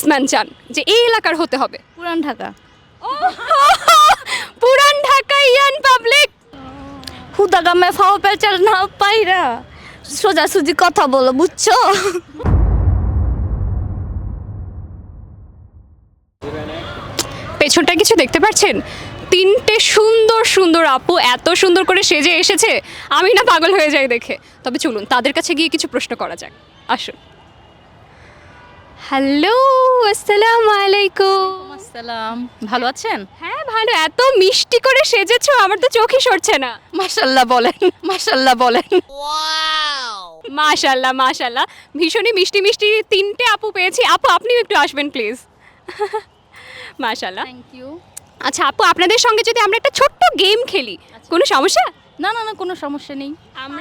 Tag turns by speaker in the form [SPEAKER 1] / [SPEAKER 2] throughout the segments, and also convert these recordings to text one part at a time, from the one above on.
[SPEAKER 1] Businessman চান যে এই এলাকার হতে হবে?
[SPEAKER 2] পুরান ঢাকা।
[SPEAKER 1] পুরান ঢাকা ইয়ান পাবলিক।
[SPEAKER 2] হুদা গামে ফাও পেচাল না পাইরা সোজাসুজি কথা বলো, বুঝছো?
[SPEAKER 1] পেছনটা কিছু দেখতে পাচ্ছেন? তিনটে সুন্দর সুন্দর আপু এত সুন্দর করে সেজে এসেছে, আমি না পাগল হয়ে যাই দেখে। তবে চলুন তাদের কাছে গিয়ে কিছু প্রশ্ন করা যাক, আসুন। হ্যালো, আসসালামু আলাইকুম।
[SPEAKER 2] আসসালাম, ভালো আছেন?
[SPEAKER 1] হ্যাঁ ভালো, এত মিষ্টি করে সেজেছো আমার তো চোখই সরছে না।
[SPEAKER 2] মাশাল্লাহ বলেন, মাশাল্লাহ বলেন।
[SPEAKER 1] মাশাল্লাহ মাশাল্লাহ, ভীষণই মিষ্টি মিষ্টি তিনটে আপু পেয়েছি। আপু আপনিও একটু আসবেন প্লিজ। মাশাল্লাহ।
[SPEAKER 2] Thank you.
[SPEAKER 1] আচ্ছা আপু, আপনাদের সঙ্গে যদি আমরা একটা ছোট্ট গেম খেলি, কোনো সমস্যা?
[SPEAKER 2] না না না, কোনো সমস্যা নেই,
[SPEAKER 1] আমরা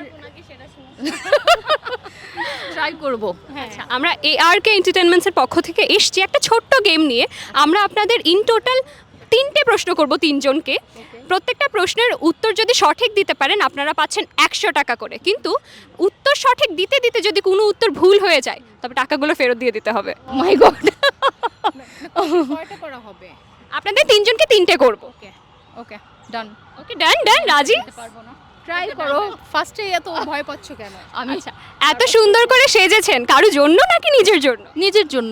[SPEAKER 2] ট্রাই করব।
[SPEAKER 1] আচ্ছা, আমরা ARK এন্টারটেইনমেন্টসের পক্ষ থেকে এসছি একটা ছোট্ট গেম নিয়ে। আমরা আপনাদের ইন টোটাল তিনটে প্রশ্ন করব তিনজনকে। প্রত্যেকটা প্রশ্নের উত্তর যদি সঠিক দিতে পারেন আপনারা পাচ্ছেন 100 টাকা করে, কিন্তু উত্তর সঠিক দিতে দিতে যদি কোনো উত্তর ভুল হয়ে যায় তবে টাকাগুলো ফেরত দিয়ে দিতে হবে।
[SPEAKER 2] My god.
[SPEAKER 3] কয়টা করা হবে?
[SPEAKER 1] আপনাদের তিনজনকে তিনটে করব।
[SPEAKER 3] ওকে ওকে ডান।
[SPEAKER 1] ওকে ডান ডান, রাজি?
[SPEAKER 3] পারবো না, ট্রাই করো। ফার্স্টে এত ভয় পাচ্ছ কেন?
[SPEAKER 2] আমি
[SPEAKER 1] আচ্ছা, এত সুন্দর করে সেজেছেন কারোর জন্য নাকি নিজের জন্য?
[SPEAKER 2] নিজের জন্য।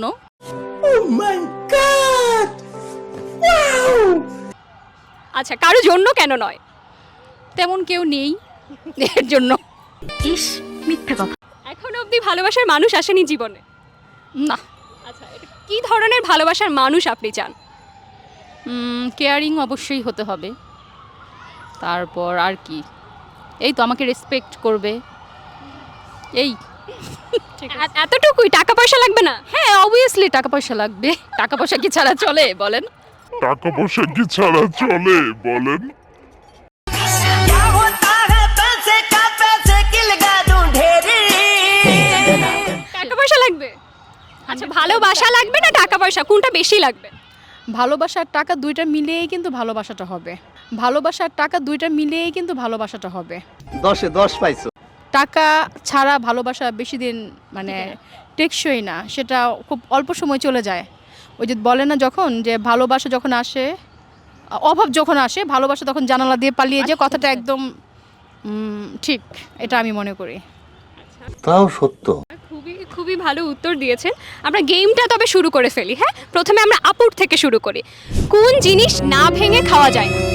[SPEAKER 1] আচ্ছা, কারোর জন্য কেন নয়?
[SPEAKER 2] তেমন কেউ নেই এর জন্য। ইস, মিথ্যা কথা।
[SPEAKER 1] এখনো অবধি ভালোবাসার মানুষ আসেনি জীবনে?
[SPEAKER 2] না।
[SPEAKER 1] আচ্ছা, এটা কি ধরনের ভালোবাসার মানুষ আপনি চান?
[SPEAKER 2] কেয়ারিং অবশ্যই হতে হবে। তারপর আর কি, এই তো আমাকে রেসপেক্ট করবে, এই।
[SPEAKER 1] এতটুকুই? টাকা পয়সা লাগবে না?
[SPEAKER 2] হ্যাঁ অবভিয়াসলি টাকা পয়সা লাগবে, টাকা পয়সা কি ছাড়া চলে বলেন?
[SPEAKER 4] টাকা পয়সা কি ছাড়া চলে বলেন?
[SPEAKER 5] क्या होता है पैसे का, पैसे की लगा दूं ढेरी।
[SPEAKER 1] টাকা পয়সা লাগবে? আচ্ছা, ভালোবাসা লাগবে না টাকা পয়সা, কোনটা বেশি লাগবে?
[SPEAKER 3] ভালোবাসা আর টাকা দুইটা মিলিয়েই কিন্তু ভালোবাসাটা হবে। ভালোবাসা আর টাকা দুইটা মিলিয়েই কিন্তু ভালোবাসাটা হবে।
[SPEAKER 6] 10-এ 10 পাইছো।
[SPEAKER 3] টাকা ছাড়া ভালোবাসা বেশি দিন মানে টেকসই না, সেটা খুব অল্প সময় চলে যায়। ওই যে বলে না, যখন যে ভালোবাসা যখন আসে, অভাব যখন আসে, ভালোবাসা তখন জানালা দিয়ে পালিয়ে যায়, কথাটা একদম ঠিক, এটা আমি মনে করি।
[SPEAKER 6] তাও সত্য।
[SPEAKER 1] খুবই খুবই ভালো উত্তর দিয়েছেন। আমরা গেমটা তবে শুরু করে ফেলি। হ্যাঁ, প্রথমে আমরা আপুর থেকে শুরু করি। কোন জিনিস না ভেঙে খাওয়া যায় না?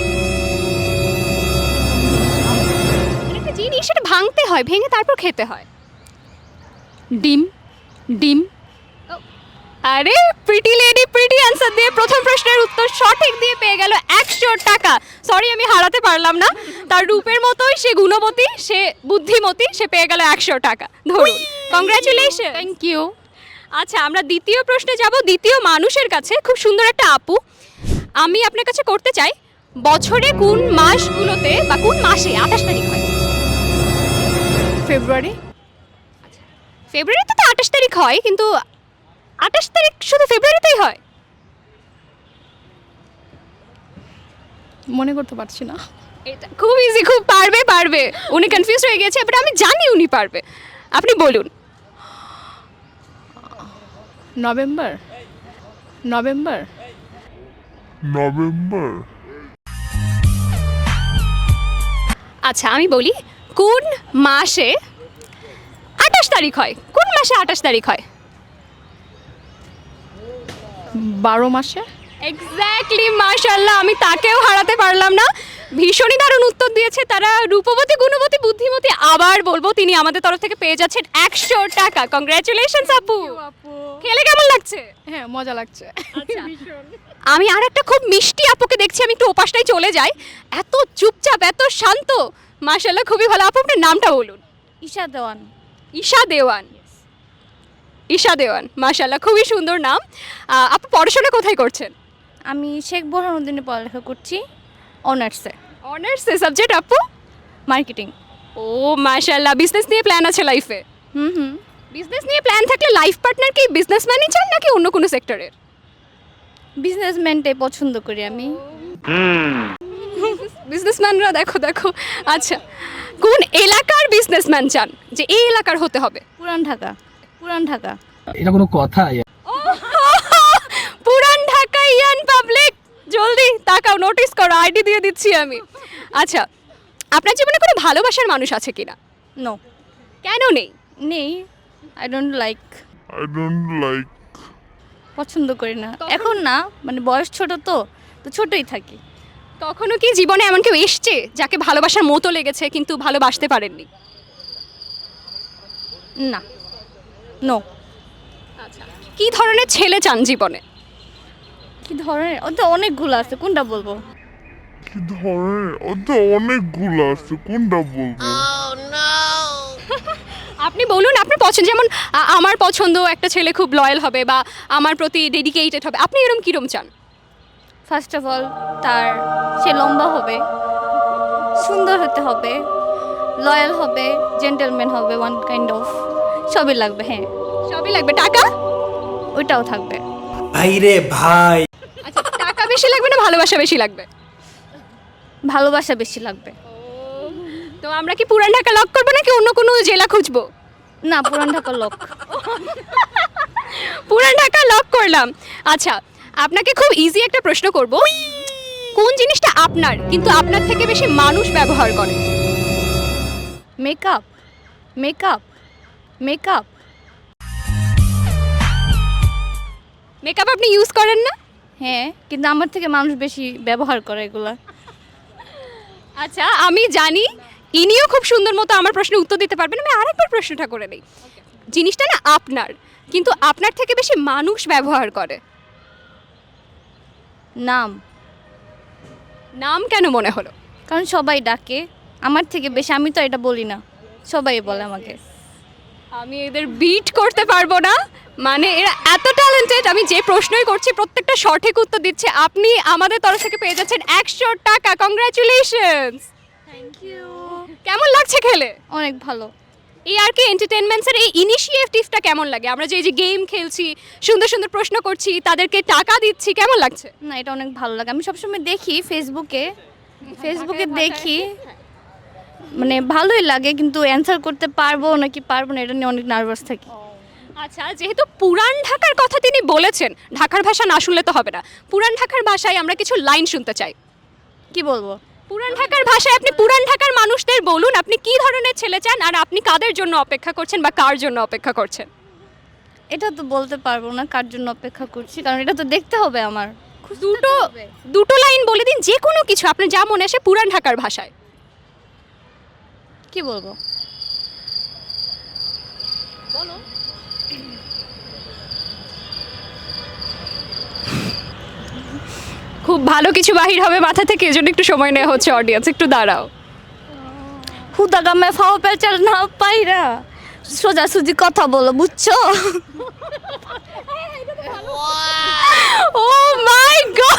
[SPEAKER 1] এটা একটা জিনিস, সেটা ভাঙতে হয়, ভেঙে তারপর খেতে হয়।
[SPEAKER 2] ডিম, ডিম।
[SPEAKER 1] আরে প্রিটি লেডি প্রিটি অ্যান্সার দিয়ে প্রথম প্রশ্নের উত্তর সঠিক দিয়ে পেয়ে গেল 100 টাকা। সরি, আমি হারাতে পারলাম না। তার রূপের মতোই সে গুণবতী, সে বুদ্ধিমতী, সে পেয়ে গেল 100 টাকা। ধরুন, কংগ্রাচুলেশন।
[SPEAKER 2] Thank you.
[SPEAKER 1] আচ্ছা, আমরা দ্বিতীয় প্রশ্নে যাব, দ্বিতীয় মানুষের কাছে। খুব সুন্দর একটা আপু, আমি আপনার কাছে করতে চাই, বছরে কোন মাসগুলোতে বা কোন মাসে 28 তারিখ হয়?
[SPEAKER 3] ফেব্রুয়ারি।
[SPEAKER 1] ফেব্রুয়ারিতে তো 28 তারিখ হয়, কিন্তু 28 তারিখ শুধু ফেব্রুয়ারিতেই হয়?
[SPEAKER 3] মনে করতে পারছি না।
[SPEAKER 1] এটা খুব ইজি, খুব পারবে পারবে। উনি কনফিউজ হয়ে গেছে, বাট আমি জানি উনি পারবে। আপনি বলুন।
[SPEAKER 3] নভেম্বর। নভেম্বর।
[SPEAKER 4] নভেম্বর।
[SPEAKER 1] আচ্ছা আমি বলি, কোন মাসে 28 তারিখ হয়? কোন মাসে 28 তারিখ হয়?
[SPEAKER 3] 12 মাসে।
[SPEAKER 1] এক্স্যাক্টলি, মাশাআল্লাহ, আমি তাকেও হারাতে পারলাম না। ভীষণই দারুণ উত্তর দিয়েছে তারা, রূপবতী, গুণবতী, বুদ্ধিমতী। আবার বলবো, তিনি আমাদের তরফ থেকে পেয়ে যাচ্ছেন 100 টাকা। কংগ্রাচুলেশনস আপু। খেলে কেমন লাগছে?
[SPEAKER 3] হ্যাঁ, মজা লাগছে।
[SPEAKER 1] আচ্ছা, আমি আর একটা খুব মিষ্টি আপুকে দেখছি, আমি একটু ওপাশটাই চলে যাই। এত চুপচাপ, এত শান্ত, মাশাআল্লাহ, খুবই ভালো। আপু, আপনার নামটা বলুন।
[SPEAKER 2] ঈশা দেওয়ান।
[SPEAKER 1] ঈশা দেওয়ান। ঈশা দেওয়ান, মাশাআল্লাহ, খুবই সুন্দর নাম। আপু পড়াশোনা কোথায় করছেন?
[SPEAKER 2] আমি শেখ বোরহানুদ্দিনে পড়ালেখা করছি, অনার্সে,
[SPEAKER 1] অনার্সে। সাবজেক্ট আপু?
[SPEAKER 2] মার্কেটিং।
[SPEAKER 1] ও মাশাআল্লাহ, বিজনেস নিয়ে প্ল্যান আছে লাইফে?
[SPEAKER 2] হুম।
[SPEAKER 1] বিজনেস নিয়ে প্ল্যান থাকলে লাইফ পার্টনার কি বিজনেসম্যানই চান নাকি অন্য কোনো সেক্টরের?
[SPEAKER 2] বিজনেসম্যানটাই পছন্দ করি আমি।
[SPEAKER 1] বিজনেসম্যানরা দেখো দেখো। আচ্ছা, কোন এলাকার বিজনেসম্যান চান যে এই এলাকার হতে হবে?
[SPEAKER 2] পুরান ঢাকা। পুরান ঢাকা।
[SPEAKER 7] এটা কোনো কথা?
[SPEAKER 1] দিচ্ছি আমি। আচ্ছা, আপনার জীবনে কোনো ভালোবাসার মানুষ আছে কিনা?
[SPEAKER 2] নো,
[SPEAKER 1] কেন নেই?
[SPEAKER 2] নেই। I don't like,
[SPEAKER 4] I don't like.
[SPEAKER 2] পছন্দ করি না এখন না, মানে বয়স ছোট তো ছোটই থাকি।
[SPEAKER 1] কখনো কি জীবনে এমন কেউ এসছে যাকে ভালোবাসার মতো লেগেছে কিন্তু ভালোবাসতে পারেননি?
[SPEAKER 2] না, নো।
[SPEAKER 1] আচ্ছা, কি ধরনের ছেলে চান জীবনে?
[SPEAKER 2] কি ধরনের, ও তো অনেকগুলো আছে, কোনটা বলবো?
[SPEAKER 4] কি ধরনের? ও তো অনেকগুলো আছে, কোনটা বলবো?
[SPEAKER 1] আপনি বলুন আপনার পছন্দ, যেমন আমার পছন্দ একটা ছেলে খুব লয়াল হবে বা আমার প্রতি ডেডিকেটেড হবে, আপনি এরকম কিরম চান?
[SPEAKER 2] ফার্স্ট অফ অল সে লম্বা হবে, সুন্দর হতে হবে, লয়াল হবে, জেন্টলম্যান হবে, ওয়ান কাইন্ড অফ সবই লাগবে। হ্যাঁ,
[SPEAKER 1] সবই লাগবে। টাকা?
[SPEAKER 2] ওইটাও থাকবে।
[SPEAKER 7] ভাইরে ভাই,
[SPEAKER 1] আচ্ছা, টাকা বেশি লাগবে না ভালোবাসা বেশি লাগবে?
[SPEAKER 2] ভালোবাসা বেশি লাগবে।
[SPEAKER 1] তো আমরা কি পুরান ঢাকা লক করবো নাকি অন্য কোনো জেলা খুঁজবো?
[SPEAKER 2] না, পুরান ঢাকার লোক।
[SPEAKER 1] পুরান ঢাকা লক করলাম। আচ্ছা, আপনাকে খুব ইজি একটা প্রশ্ন করব, কোন জিনিসটা আপনার কিন্তু আপনার থেকে বেশি মানুষ ব্যবহার করে?
[SPEAKER 2] Makeup, makeup, makeup.
[SPEAKER 1] মেকআপ আপনি ইউজ করেন না?
[SPEAKER 2] হ্যাঁ, কিন্তু আমার থেকে মানুষ বেশি ব্যবহার করে এগুলা।
[SPEAKER 1] আচ্ছা, আমি জানি ইনিও খুব সুন্দর মতো আমার প্রশ্নের উত্তর দিতে পারবেন। আমি আরেকবার প্রশ্নটা করে নেই। জিনিসটা না আপনার কিন্তু আপনার থেকে বেশি মানুষ ব্যবহার করে।
[SPEAKER 2] নাম।
[SPEAKER 1] নাম কেন মনে হলো?
[SPEAKER 2] কারণ সবাই ডাকে আমার থেকে বেশি, আমি তো এটা বলি না, সবাই বলে আমাকে।
[SPEAKER 1] আমি এদের বিট করতে পারবো না, মানে এরা এত ট্যালেন্টেড। আমি যে প্রশ্নই করছি প্রত্যেকটা সঠিক উত্তর দিচ্ছে। আপনি আমাদের তরফ থেকে পেয়ে যাচ্ছেন 100 টাকা। কংগ্রাচুলেশনস।
[SPEAKER 2] Thank you.
[SPEAKER 1] কেমন লাগছে খেলে?
[SPEAKER 2] অনেক ভালো।
[SPEAKER 1] এই আর কি এন্টারটেইনমেন্টসের এই ইনিশিয়েটিভটা কেমন লাগে? আমরা যে এই যে গেম খেলছি, সুন্দর সুন্দর প্রশ্ন করছি, তাদেরকে টাকা দিচ্ছি, কেমন লাগছে?
[SPEAKER 2] না, এটা অনেক ভালো লাগে। আমি সবসময় দেখি ফেসবুকে দেখি, মানে ভালোই লাগে, কিন্তু অ্যান্সার করতে পারবো নাকি পারবো না এটা নিয়ে অনেক নার্ভাস থাকি।
[SPEAKER 1] আচ্ছা, যেহেতু পুরান ঢাকার কথা তিনি বলেছেন, ঢাকার ভাষা না শুনলে তো হবে না। পুরান ঢাকার ভাষায় আমরা কিছু লাইন শুনতে চাই।
[SPEAKER 2] কি বলবো?
[SPEAKER 1] পুরান ঢাকার ভাষায় আপনি পুরান ঢাকার মানুষদের বলুন আপনি কি ধরনের ছেলে চান আর আপনি কাদের জন্য অপেক্ষা করছেন বা কার জন্য অপেক্ষা করছেন।
[SPEAKER 2] এটা তো বলতে পারবো না কার জন্য অপেক্ষা করছি, কারণ এটা তো দেখতে হবে আমার।
[SPEAKER 1] দুটো লাইন বলে দিন, যে কোনো কিছু আপনার যা মনে আসে পুরান ঢাকার ভাষায়।
[SPEAKER 2] কি বলবো?
[SPEAKER 1] খুব ভালো কিছু বাহির হবে মাথা থেকে, এজন্য একটু সময় নেওয়া হচ্ছে। অডিয়েন্স একটু দাঁড়াও।
[SPEAKER 2] খুদা গামে ফাও পেঁচাল না পাইরা, সোজাসুজি কথা বলো, বুঝছো?
[SPEAKER 1] ও মাই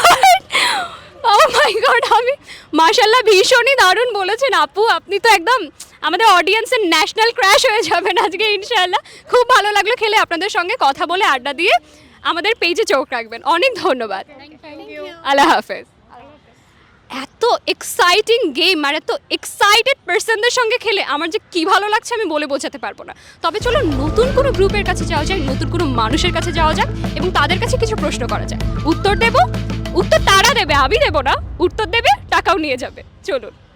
[SPEAKER 1] গড, আমি মাশাআল্লাহ ভীষণই দারুণ বলেছেন আপু। আপনি তো একদম আমাদের অডিয়েন্সের ন্যাশনাল ক্র্যাশ হয়ে যাবেন আজকে ইনশাআল্লাহ। খুব ভালো লাগলো খেলে, আপনাদের সঙ্গে কথা বলে, আড্ডা দিয়ে। আমাদের পেজে চোখ রাখবেন। অনেক ধন্যবাদ। আল্লাহ হাফেজ। এত এক্সাইটিং গেম আর এত এক্সাইটেড পার্সনদের সঙ্গে খেলে আমার যে কী ভালো লাগছে আমি বলে বোঝাতে পারবো না। তবে চলো নতুন কোনো গ্রুপের কাছে যাওয়া যাক, নতুন কোনো মানুষের কাছে যাওয়া যাক এবং তাদের কাছে কিছু প্রশ্ন করা যায়। উত্তর তারা দেবে, আমি দেবো না। উত্তর দেবে, টাকাও নিয়ে যাবে। চলুন।